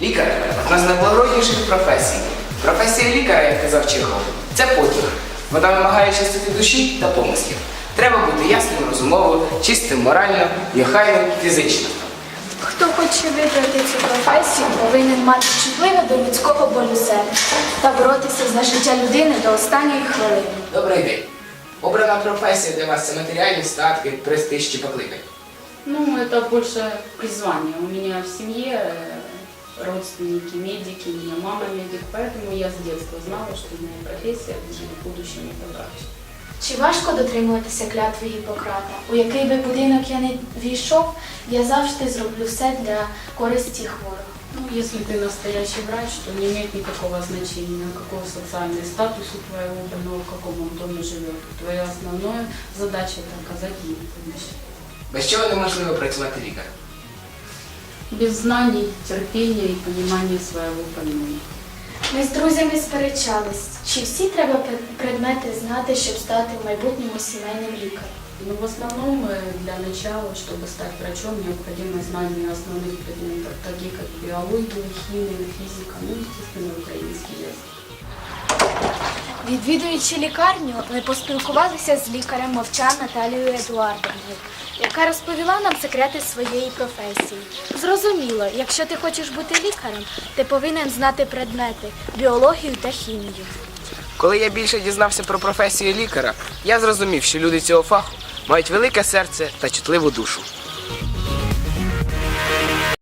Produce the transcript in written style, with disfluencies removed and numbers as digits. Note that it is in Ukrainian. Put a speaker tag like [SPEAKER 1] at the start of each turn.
[SPEAKER 1] Лікар – одна з найблагородніших професій. Професія лікаря, як казав Чехов, це потяг. Вона вимагає чистоти душі та помислів. Треба бути ясним розумово, чистим морально і охайним фізично.
[SPEAKER 2] Хто хоче вибрати цю професію, повинен мати чутливе до людського болю серця та боротися за життя людини до останньої хвилини.
[SPEAKER 1] Добрий день. Обрана професія для вас – це матеріальні статки, престиж чи покликання?
[SPEAKER 3] Ну, это больше призвание. У меня в семье родственники медики, у меня мама медик, поэтому я с детства знала, что моя профессия будет в будущем это врач.
[SPEAKER 2] Чи важко дотримуватися клятви Гіппократа? У який би будинок я не війшов, я завжди зроблю все для користі хворого.
[SPEAKER 3] Ну, если ты настоящий врач, то не имеет никакого значения, какой социальный статус у твоего больного, в каком он доме живет. Твоя основная задача – это оказать ему помощь.
[SPEAKER 1] Без чого неможливо працювати лікарем?
[SPEAKER 3] Без знаний, терпения и понимания своего больного.
[SPEAKER 2] Ми з друзями сперечались, чи всі треба предмети знати, щоб стати в майбутньому сімейним лікарем.
[SPEAKER 3] Но в основном для начала, чтобы стать врачом, необходимо знание основных предметов, таких как биология, химия, физика, ну, естественно, украинский язык.
[SPEAKER 2] Відвідуючи лікарню, ми поспілкувалися з лікарем Мовчан Наталією Едуардовною, яка розповіла нам секрети своєї професії. Зрозуміло, якщо ти хочеш бути лікарем, ти повинен знати предмети – біологію та хімію.
[SPEAKER 1] Коли я більше дізнався про професію лікаря, я зрозумів, що люди цього фаху мають велике серце та чутливу душу.